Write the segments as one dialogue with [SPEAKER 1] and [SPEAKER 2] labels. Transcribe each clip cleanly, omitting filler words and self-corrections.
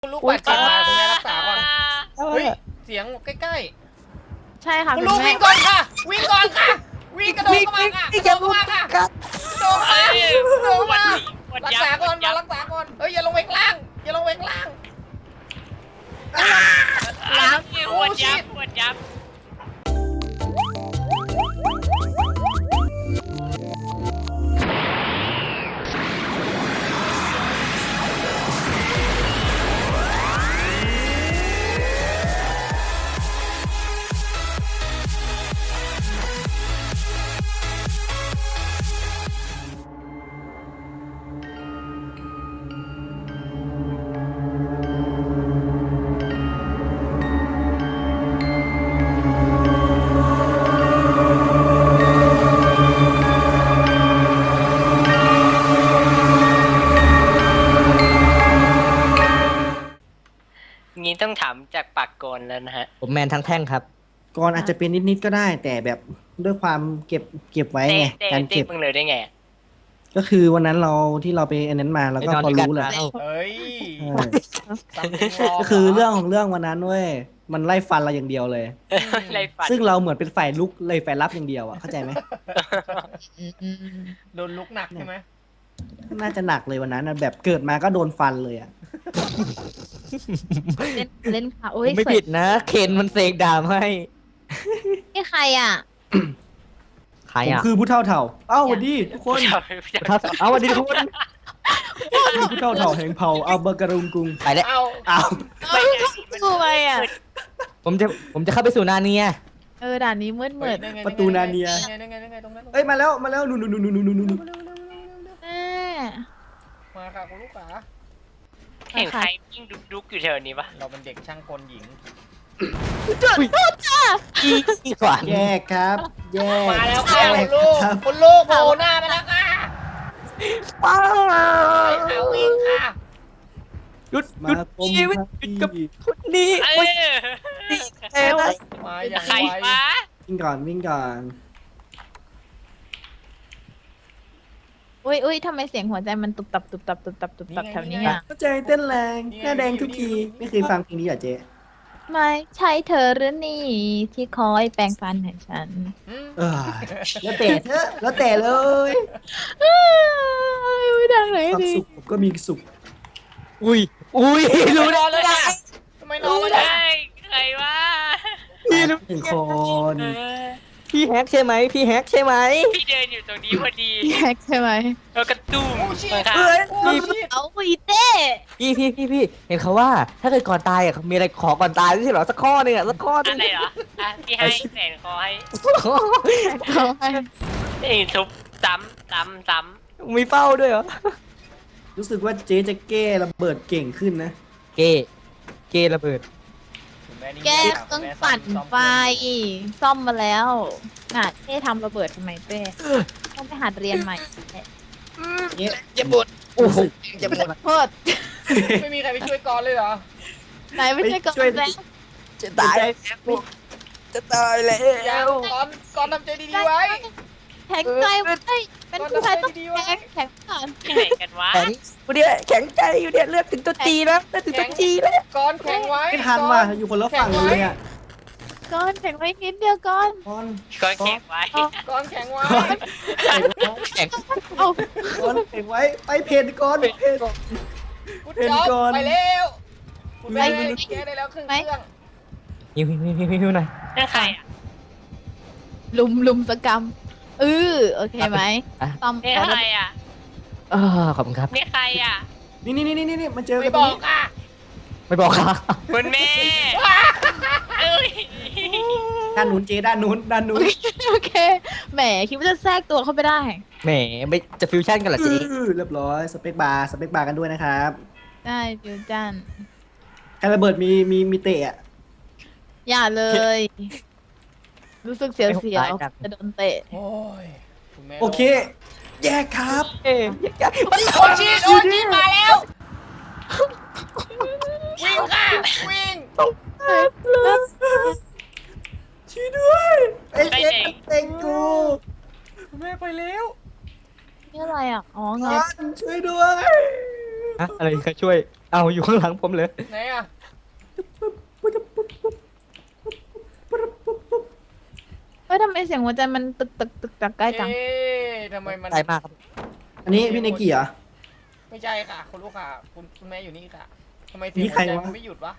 [SPEAKER 1] คุณลูกบาดเจ็บมาคุณแม่รักษาก่อนเฮ้ยเสียงใกล้
[SPEAKER 2] ใช่ค่ะ
[SPEAKER 1] ๆคุณลูกวิ่งก่อนค่ะวิ่งก่อนค่ะวิ่งกระโดดเข้ามาค่ะกระโดดเข้ามาค่ะกระโดดมารักษาก่อนมารักษาก่อนเฮ้ยอย่าลงไปข้างล่างอย่าลงไปข้างล่าง
[SPEAKER 3] ปวดยับปวดยับงี้ต้องถามจากปากกลแล้วนะฮะ
[SPEAKER 4] ผมแมนทั้งแท่งครับ
[SPEAKER 5] ก่อนอาจจะเป็นนิดๆก็ได้ แต่แบบด้วยความเก็บไว้ไงการเก็บ
[SPEAKER 3] มึงเลยได้ไง
[SPEAKER 5] ก็คือวันนั้นที่เราไปอันนั้นมาแล้วก็พอรู้แหละ
[SPEAKER 1] เฮ้ย
[SPEAKER 5] ก็คือเรื่องของเรื่องวันนั้นเว้ยมันไล่ฟันเราอย่างเดียวเลย
[SPEAKER 3] ไรฝัน
[SPEAKER 5] ซึ่งเราเหมือนเป็นฝ่ายลุกเลยฝ่ายรับอย่างเดียวอ่ะเข้าใจไหม
[SPEAKER 1] โดนลุกหนักใช่ไหม
[SPEAKER 5] น่าจะหนักเลยวันนั้นนะแบบเกิดมาก็โดนฟันเลยอ่ะ
[SPEAKER 2] เล่นค่ะโอ้ย
[SPEAKER 4] ไม่ผิดนะ เคนมันเสกดาบให้
[SPEAKER 2] นี่ใครอ่ะ
[SPEAKER 4] ใคร
[SPEAKER 5] ผม
[SPEAKER 4] อ่ะ
[SPEAKER 5] คือผู้เท่าเถ่าเอ้าสวัสดีทุกคน
[SPEAKER 4] เอาวันดีทุกคน
[SPEAKER 5] คือผู้เท่าเถ่าแห่งเผ่าอัลเบอร์การุงกุง
[SPEAKER 4] ไปแล้ว
[SPEAKER 1] เอา
[SPEAKER 5] อ้าว
[SPEAKER 2] ดูไปอ่ะ
[SPEAKER 4] ผมจะเข้าไปสู่นาเนีย
[SPEAKER 2] ด่านนี้มืด
[SPEAKER 5] ประตูนาเนีย
[SPEAKER 1] นั่นไงตรงนั้น
[SPEAKER 5] เอ้ยมาแล้วนู่น
[SPEAKER 2] แม่
[SPEAKER 1] มาค่ะคุณลูกขา
[SPEAKER 3] เห็นใครวิ่งดุกอยู่แถวนี้ปะ
[SPEAKER 1] เราเป็นเด็กช่างกลหญิง
[SPEAKER 4] อีขวาน
[SPEAKER 5] แยกครับ แยก
[SPEAKER 1] มาแล้วค่ะ
[SPEAKER 5] แย
[SPEAKER 1] คุ
[SPEAKER 5] ก
[SPEAKER 1] ณลูก
[SPEAKER 5] ครับ
[SPEAKER 1] คุณลูกโผล่หน้ามาแล้วค่ะ
[SPEAKER 4] ป้า
[SPEAKER 1] ไปหาวิ่งค่ะ
[SPEAKER 4] หยุด
[SPEAKER 5] มาคม
[SPEAKER 4] ชีวิต
[SPEAKER 5] ครับ
[SPEAKER 4] หยุดกับคนนี้
[SPEAKER 3] เอ
[SPEAKER 4] โอ๊ย
[SPEAKER 3] อ
[SPEAKER 1] มาอย่าง
[SPEAKER 3] ใคร
[SPEAKER 1] ไว
[SPEAKER 3] วะ
[SPEAKER 5] วิ่งก่อน
[SPEAKER 2] อุ้ยทำไมเสียงหัวใจมันตุบตับแถวนี้อ่ะ
[SPEAKER 5] เข้าใจเต้นแรงหน้าแดงทุกทีไม่เคยฟังเพลงนี้เหรอเจ๊
[SPEAKER 2] ไม่ใช่เธอหรือนี่ที่คอยแปรงฟันให้ฉัน
[SPEAKER 5] เออแล้วแต่เถอะแล้วแต่เลย
[SPEAKER 2] ไม่ดังไหน
[SPEAKER 5] ความ
[SPEAKER 2] ดี
[SPEAKER 5] สุขผมก็มีสุข
[SPEAKER 4] อุ้ยรู้
[SPEAKER 1] นอนเลยค่ะทำไมนอนเลย
[SPEAKER 3] ใช่
[SPEAKER 1] ค่ะ
[SPEAKER 3] ใครวะ
[SPEAKER 5] หนึ่งคน
[SPEAKER 3] เออ
[SPEAKER 4] พี่แฮกใช่ไหมพี่แฮกใช่ไหม
[SPEAKER 3] พี่เดินอยู่ตรงนี้พอดี
[SPEAKER 2] แยกใช่ไหม
[SPEAKER 3] แล้วกระตุ้ม
[SPEAKER 1] โอ้ชิ
[SPEAKER 3] มาค่ะ
[SPEAKER 1] โอ้ชิ
[SPEAKER 2] เอาอีเต้
[SPEAKER 4] พี่เห็นเขาว่า ถ้าเกิดก่อนตายอ่ะมีอะไรขอก่อนตายไม่ใช่เหรอสักข้อหนึงอ่ะสักข้อหนึ
[SPEAKER 3] อะ
[SPEAKER 4] ง
[SPEAKER 3] ไรเหรออ่ะพี่ให้แสนคอให้
[SPEAKER 2] เขาให้
[SPEAKER 3] ไอ้ทุบซ้ำ
[SPEAKER 4] มีเป้าด้วยเหรอ
[SPEAKER 5] รู้สึกว่าเจ๊จะแก้ระเบิดเก่งขึ้นนะ
[SPEAKER 4] เกระเบิด
[SPEAKER 2] แก้เครื่องปั่นไฟซ่อมมาแล้วน่ะเต้ทำระเบิดทำไมเต้ต้องไปหัดเรียนใหม่
[SPEAKER 4] จะบดโอ้โหจะบด
[SPEAKER 2] โทษ
[SPEAKER 1] ไม่มีใครไปช่วยกอนเลยเหรอ
[SPEAKER 2] ไหนไม่ใช่กอนแล้ว
[SPEAKER 4] จะตายจะตายแล้
[SPEAKER 1] ยัง
[SPEAKER 4] ว
[SPEAKER 1] กอนทำใจดีๆไว้
[SPEAKER 2] แข็งใจไว้เป็นผู้ชายต้องแข็งก่อน
[SPEAKER 3] ที่ไหนกันวะ
[SPEAKER 4] แข็งกูเนี่ยแข็งใจอยู่เนี่ยเลือดถึงตัวจีแล้วเลือดถึงตัวจีแล้ว
[SPEAKER 1] กอนแข็งไว้
[SPEAKER 5] ไม่ทันว่ะอยู่คนละฝั่งเลยอ่ะ
[SPEAKER 2] ก่อนแข็งไว้นิดเดียวก่อน
[SPEAKER 5] ก้อน
[SPEAKER 3] ก็แข็งไว้
[SPEAKER 1] กอนแข็งไว้
[SPEAKER 4] แข็ง
[SPEAKER 2] เอา
[SPEAKER 5] ก้อนเก็บไว้ไปเพนก้อนเพน
[SPEAKER 1] คุณจ๊อบ
[SPEAKER 5] เป็นกอน
[SPEAKER 1] ไปเร็วคุณแม่แกได้แล้วครึ่งเครื่อง
[SPEAKER 4] หิวหน่อย
[SPEAKER 3] นั่นใครอ่ะ
[SPEAKER 2] ลุมสกรรมโอเคไหมซ่อม
[SPEAKER 3] นี่ใครอ่ะ
[SPEAKER 4] ขอบคุณครับ
[SPEAKER 3] นี่ใครอ่ะ
[SPEAKER 5] นี่มาเจอกั
[SPEAKER 1] ไม่
[SPEAKER 5] นต
[SPEAKER 1] บ
[SPEAKER 5] รง
[SPEAKER 1] อก
[SPEAKER 5] นี้
[SPEAKER 1] อ่ะ
[SPEAKER 4] ไม่บอกค่ะ
[SPEAKER 3] คุณแม่เอ้ย
[SPEAKER 5] ด้านนู้นเจ๊ด้านนู้น
[SPEAKER 2] โอเคแหมคิดว่าจะแทรกตัวเข้าไปได้
[SPEAKER 4] แหมไม่จะฟิวชั่นกันเหรอจี
[SPEAKER 5] เรียบร้อยสเปคบาร์กันด้วยนะครับ
[SPEAKER 2] ได้ฟิวจัน
[SPEAKER 5] การระเบิดมีเตะอ่ะ
[SPEAKER 2] อย่าเลย รู้สึกเสียวๆจะโดนเตะ
[SPEAKER 1] โอ้ยคุณแม่
[SPEAKER 5] โอเค แยกครับ
[SPEAKER 1] โอชิมาแล้ววิ่งค่ะวิ่ง
[SPEAKER 5] ช่วยด้วยไอ้เจ๊เต็งกู
[SPEAKER 1] คุณแม่ไปแล้ว
[SPEAKER 2] นี่อะไรอ่ะ อ๋อเง
[SPEAKER 5] ก้อนช่วยด้วย
[SPEAKER 4] อะไรใครช่วยเอาอยู่ข้างหลังผมเลย
[SPEAKER 1] ไหนอ่ะ
[SPEAKER 2] เฮ้ยทำไมเสียงหัวใจมันตึกใกล้จัง
[SPEAKER 1] เอ๊ะทำไมมัน
[SPEAKER 4] ใจมากครับ
[SPEAKER 5] อันนี้พี่เนกิเหรอ
[SPEAKER 1] ไม่ใช่ค่ะคุณลูกค่ะคุณแม่อยู่นี่ค่ะทำไมเสี
[SPEAKER 5] นี่
[SPEAKER 1] ยง
[SPEAKER 5] ใค
[SPEAKER 1] หั
[SPEAKER 5] ร
[SPEAKER 1] วใจ
[SPEAKER 5] วะ
[SPEAKER 1] มันไม่หยุดวะ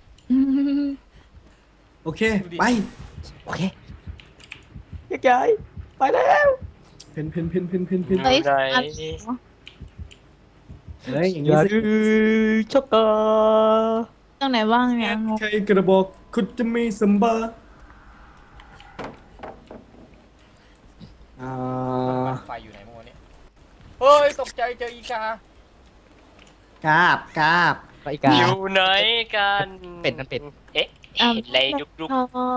[SPEAKER 5] โอเค
[SPEAKER 1] ดูดิ
[SPEAKER 5] ไป
[SPEAKER 4] โอเคยายยไปแล้ว
[SPEAKER 5] เพน
[SPEAKER 2] เฮ้ย
[SPEAKER 3] ไหน
[SPEAKER 5] เฮ้ยอย่าง
[SPEAKER 4] อ
[SPEAKER 5] นี้
[SPEAKER 4] ย่า
[SPEAKER 5] สิ
[SPEAKER 4] ดื้อช็อกโก
[SPEAKER 2] ตรงไหนบ้างเนี่ยงง
[SPEAKER 5] ใครกระบอกคุณจะมีสัมบาอ่า
[SPEAKER 1] ไฟอยู่ไหนเมื่อวานเนี่ยเฮ้ยตกใจเจออีกาก
[SPEAKER 5] ราบ
[SPEAKER 4] ไปอีกา
[SPEAKER 3] อยู่ไหนกัน
[SPEAKER 4] เป็ดมันเป็ด
[SPEAKER 3] เอ๊ะ
[SPEAKER 2] อ่ะ
[SPEAKER 3] เห็นอะไรยุบ
[SPEAKER 2] ทอง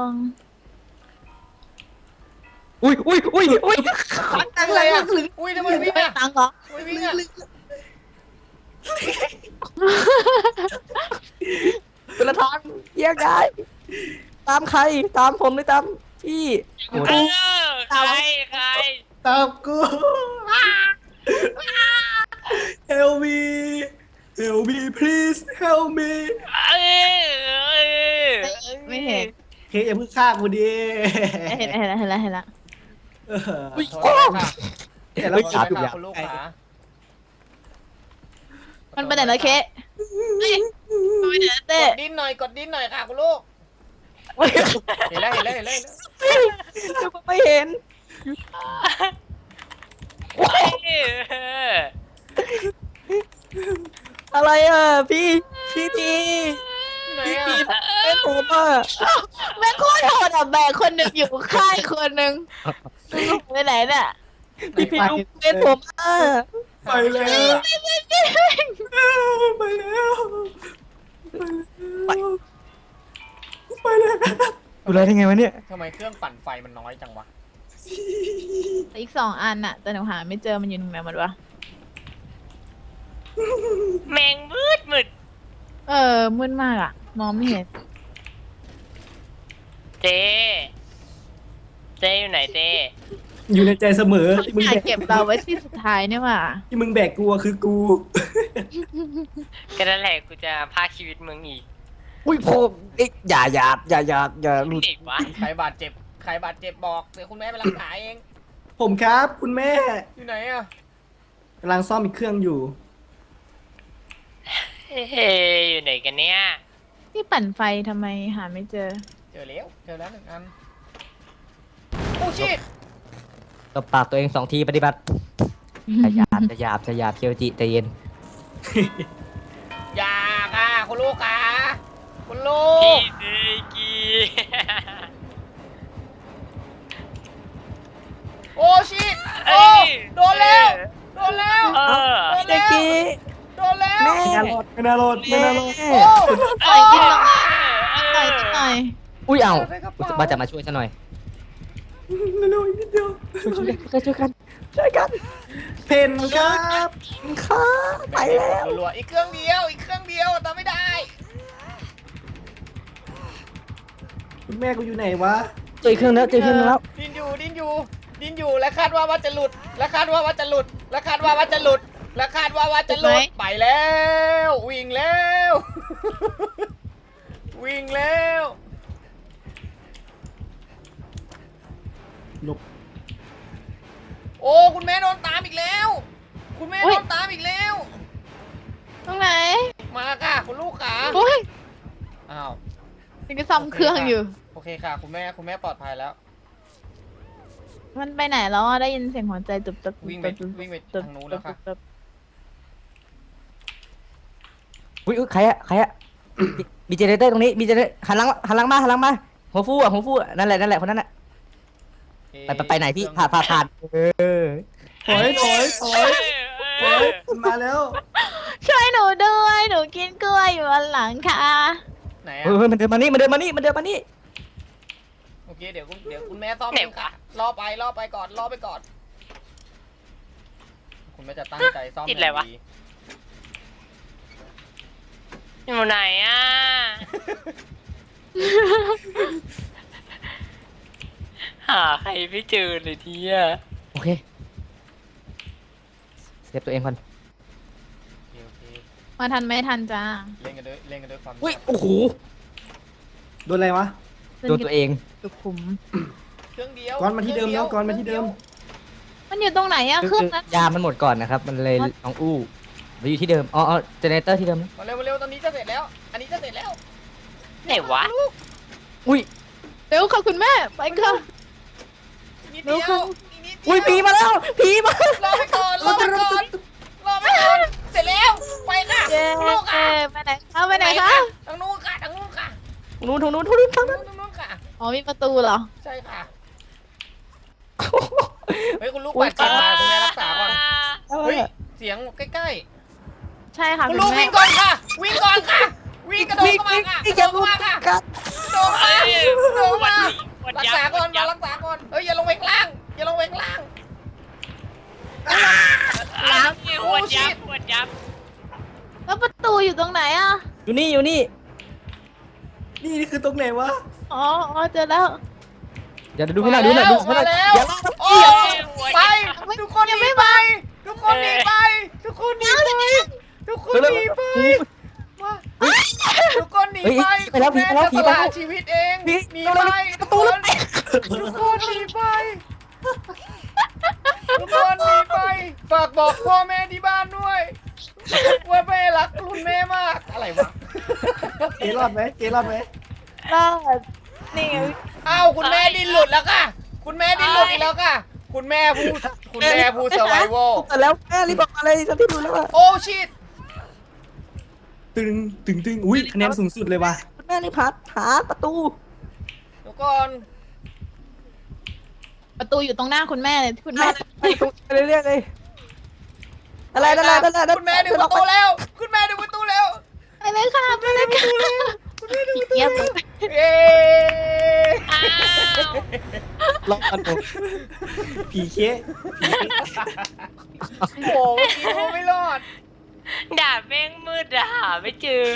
[SPEAKER 4] อุ้ย
[SPEAKER 1] อะไรอ่ะอุ้ยทำไมวิ่ง
[SPEAKER 2] ไม่
[SPEAKER 1] อ่ะ
[SPEAKER 2] ตังค์เหรอ
[SPEAKER 1] ทำไมวิ่งอ่ะ
[SPEAKER 4] เป็นละทางแยกย้ายตามใครตามผมหรือตามพี่
[SPEAKER 3] ๆใคร
[SPEAKER 5] ตามกู Help me Help me please Help me
[SPEAKER 2] ไม่เห็น
[SPEAKER 5] เคอย่าเพิ่งฆ่ากูดิ
[SPEAKER 2] เห็นแล้ว
[SPEAKER 5] เออ
[SPEAKER 1] โทษค่ะ
[SPEAKER 5] แต่
[SPEAKER 1] โท
[SPEAKER 5] เรา
[SPEAKER 1] ษ
[SPEAKER 5] จับ
[SPEAKER 1] ค่ะคุณลูกขา
[SPEAKER 2] มันไปไหนแล้วเคเฮ้ยมันไปไหนแล้วเต้
[SPEAKER 1] กดดิ้นหน่อยค่ะคุณลูกเห็นแล้ว
[SPEAKER 4] ไม่เห็นอะไรอ่ะพี่ที
[SPEAKER 1] ไหนอ่ะ
[SPEAKER 4] เป็นผมอ่ะ
[SPEAKER 2] แม่งโคตรโหดอ่ะแบกคนหนึ่งอยู่ค่ายคนหนึ่งลูกไปไหนเนี่ย
[SPEAKER 4] พี่ดูเป็นผมอ่ะ
[SPEAKER 5] ไปแล้วไปแล้วไปแล้ว
[SPEAKER 4] ดูแลได้ไงวะเนี่ย
[SPEAKER 1] ทำไมเครื่องปั่นไฟมันน้อยจังวะ
[SPEAKER 2] อีก2 อันน่ะ แต่หนูหาไม่เจอมันอยู่ตรงไหนหมดวะ
[SPEAKER 3] แมงมืด
[SPEAKER 2] มืดมากอ่ะ มองไม่เห็น
[SPEAKER 3] เจอยู่ไหนเจ
[SPEAKER 5] อยู่ในใจเสมอที่มึง
[SPEAKER 2] อยา
[SPEAKER 5] แบ
[SPEAKER 2] ก
[SPEAKER 5] ก
[SPEAKER 2] เก็บเราไว้ที่สุดท้ายเนี่ยว่ะ
[SPEAKER 5] ที่มึงแบกกูอะคือกู
[SPEAKER 3] ก็นั่นแหละกูจะพาชีวิตมึงอีก
[SPEAKER 4] อุ้ยผมอย่าหลุด
[SPEAKER 3] เด็กวะ
[SPEAKER 1] ใครบาดเจ็บบอกเดี๋ยวคุณแม่ไปรักษาเอง
[SPEAKER 5] ผมครับคุณแม่
[SPEAKER 1] อยู่ไหนอ่ะ
[SPEAKER 5] กำลังซ่อมอีกเครื่องอยู่
[SPEAKER 3] เฮ้ยอยู่ไหนกันเนี่ย
[SPEAKER 2] ที่ปั่นไฟทำไมหาไม่เจอ
[SPEAKER 1] เจอแล้ว1 อันโอ้ชิต
[SPEAKER 4] ตบปากตัวเอง2 ทีปฏิบัติจะหยาบเคียวจิใจเย็น
[SPEAKER 1] อย่าค่ะคุณลูกค่ะคุณลู
[SPEAKER 3] พี่
[SPEAKER 1] ก
[SPEAKER 3] เดกี
[SPEAKER 1] โอ้ชิตโอ้โดนแล้ว
[SPEAKER 3] เออ
[SPEAKER 4] เด็กกี้
[SPEAKER 1] โดนแล้ว
[SPEAKER 4] แม่
[SPEAKER 5] ไม่น่ารอด
[SPEAKER 4] แม่
[SPEAKER 1] โอ้
[SPEAKER 2] ต่อยกินหน่อยต่อยกินหน่อย
[SPEAKER 4] อุ้ยเอาว่าจะมาช่วยฉันหน่อย
[SPEAKER 5] เร็วๆอีกนิดเดียว
[SPEAKER 4] ช่วยกัน
[SPEAKER 5] เพนครับ
[SPEAKER 4] ค่ะไปแล้ว
[SPEAKER 1] รัวๆอีกเครื่องเดียวทำไม่ได้
[SPEAKER 5] คุณแม่กูอยู่ไหนวะ
[SPEAKER 4] เจอเครื่องแล้ว
[SPEAKER 1] ดิ้นอยู่และคาดว่าจะหลุดไปแล้ววิ่งแล้ว
[SPEAKER 5] หลบ
[SPEAKER 1] โอ้คุณแม่โดนตามอีกแล้ว
[SPEAKER 2] ตรงไหน
[SPEAKER 1] มาค่ะคุณลูกขา
[SPEAKER 2] โอ้ย
[SPEAKER 1] อ้าว
[SPEAKER 2] ยังจะซ่อมเครื่องอยู่
[SPEAKER 1] โอเคค่ะคุณแม่ปลอดภัยแล้ว
[SPEAKER 2] มันไปไหนแล้วอ่ะได้ยินเสียงหัวใจตุบตุบ
[SPEAKER 1] วิ่งไปทางนู้นแล้วค่ะ
[SPEAKER 4] อุ้ยใครอะมีเจเนเตอร์ตรงนี้มีเจเนเตอร์หันหลังมาหัวฟูอ่ะนั่นแหละคนนั้นน่ะไปไหนพี่ผ่าน
[SPEAKER 5] ถอยมาแล้ว
[SPEAKER 2] ช่วยหนูด้วยหนูกินกล้วยอยู่บนหลังค่ะ
[SPEAKER 1] ไหน
[SPEAKER 4] มันเดินมานี่
[SPEAKER 1] โอเคเดี๋ยวคุณแม่ซ่อมเองค่ะรอไปก่อนคุณแม่จะตั้งใจซ่อม
[SPEAKER 3] ติดอะไรวะ อยู่ไหนอ่ะ หาใครไม่เจอเลยทีอ่ะ
[SPEAKER 4] โอเคเซฟตัวเองก่อน
[SPEAKER 1] โอเค
[SPEAKER 4] ไ
[SPEAKER 2] มาทันไม่ทันจ้า
[SPEAKER 1] เล่นกันด้วยความ
[SPEAKER 4] อุ้ยโอ้โห
[SPEAKER 5] โดนอะไรวะ
[SPEAKER 4] โดนตัวเอง
[SPEAKER 2] สุขุม
[SPEAKER 1] เครื่องเดียว
[SPEAKER 5] ก่อนมาที่เดิมแล้วก่อนมาที่เดิม
[SPEAKER 2] มันอยู่ตรงไหนอะเครื่องนั้น
[SPEAKER 4] ยามันหมดก่อนนะครับ มันเลยน้องอู้ไปอยู่ที่เดิมอ๋อเจเนเรเตอร์ที่เดิมนะ
[SPEAKER 1] มาเร็วตอนนี้จะเสร็จแล้ว อันนี้จะเสร็จแล้ว
[SPEAKER 3] ไหนวะ
[SPEAKER 4] อุ้ย
[SPEAKER 2] เร็วค่ะคุณแม่ไปค่ะ
[SPEAKER 1] นิดเดียวอีกนิดเดียว
[SPEAKER 4] อุ้ยผีมาแล้วผีมา
[SPEAKER 1] รอไปก่อนเสร็จแล้วไปค่ะ
[SPEAKER 2] เย้
[SPEAKER 1] ลูกค่ะ
[SPEAKER 2] ไปไหนคะไปไหนคะ
[SPEAKER 1] ทางนู้นค่ะ
[SPEAKER 4] ทางนู้นทางนู้น
[SPEAKER 1] ค่ะ
[SPEAKER 2] อ๋อมีประตูเหรอ
[SPEAKER 1] ใช่ค่ะเฮ้ยคุณลูกบาดเจ็บมาคุณแม่รักษาก่อนเฮ้ยเสียงใกล้
[SPEAKER 2] ใช่ค่ะ
[SPEAKER 1] ๆคุณ
[SPEAKER 2] คุ
[SPEAKER 1] ลู
[SPEAKER 2] ณ
[SPEAKER 1] ก
[SPEAKER 2] แม่
[SPEAKER 1] วิ่งก่อนค่ะวิ่งก่อนค่ะวิ่งกระโดดเข้ามาค่ะกระโดดเข้ามาค่ะโดดมาโดดมารักษาก่อนมารักษาก่อนเฮ้ยอย่าลงไปข้างล่างอย่าลงไปข้างล่าง
[SPEAKER 3] ล้างปวดยับปวดยับ
[SPEAKER 2] แล้วประตูอยู่ตรงไหนอะ
[SPEAKER 4] อยู่นี่อยู่นี่
[SPEAKER 5] นี่คือตรงไหนวะ
[SPEAKER 2] อ๋อเจอแล้ว
[SPEAKER 4] เดี๋ยวดูให้หน่อยดูหน่อยดูให้หน่อย
[SPEAKER 1] มาแล้ว
[SPEAKER 4] อย่าลาก
[SPEAKER 1] โอ้ไปทุกคนหนีไปทุกคนหนีไปทุกคนหนีไปทุกคนหนีไปมาทุกคนหนีไปแม่จะสละชีวิตเองหนีไปทุกคนทุกคนหนีไปทุกคนหนีไปฝากบอกพ่อแม่ที่บ้านด้วยว่าแม่รักคุณแม่มากอะไรวะ
[SPEAKER 5] เกรอดไหมเกรอดไหม
[SPEAKER 2] รอดนี่ไง
[SPEAKER 1] อ้าวคุณแม่ดิ้นหลุดแล้วค่ะคุณแม่ดิ้นหลุดอีกแล้วค่ะคุณแม่ผู้เซอร์ไวโว
[SPEAKER 4] แต่แล้วแม่รีบบอกมาเลยฉันที่ดูแล้วว่า
[SPEAKER 1] โอ้ชิต
[SPEAKER 5] ตึงอุ้ยคะแนนสูงสุดเลยว่ะ
[SPEAKER 4] คุณแม่รีบหาประตู
[SPEAKER 1] เดี๋ยวก่อน
[SPEAKER 2] ประตูอยู่ตรงหน้าคุณแม่เลยที่คุณแม่
[SPEAKER 4] ไปเรื่อยๆเลยอะไร
[SPEAKER 1] คุณแม่ดึงประตูแล้ว คุณแม่ดึงประตูแล้ว
[SPEAKER 2] ไปเลยค่ะไปเลยค่ะเงียบเลย
[SPEAKER 1] เย้
[SPEAKER 3] อ้าว
[SPEAKER 4] ลองกันดู
[SPEAKER 5] ผีเค
[SPEAKER 1] โอ้โหเมื่อกี้กูไม่รอด
[SPEAKER 3] ด่าแม่งมืดอะหาไม่เจอ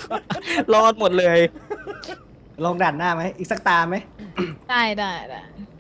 [SPEAKER 4] รอดหมดเลย
[SPEAKER 5] ลองด่านหน้าไหมอีกสักตาไหม
[SPEAKER 2] ได้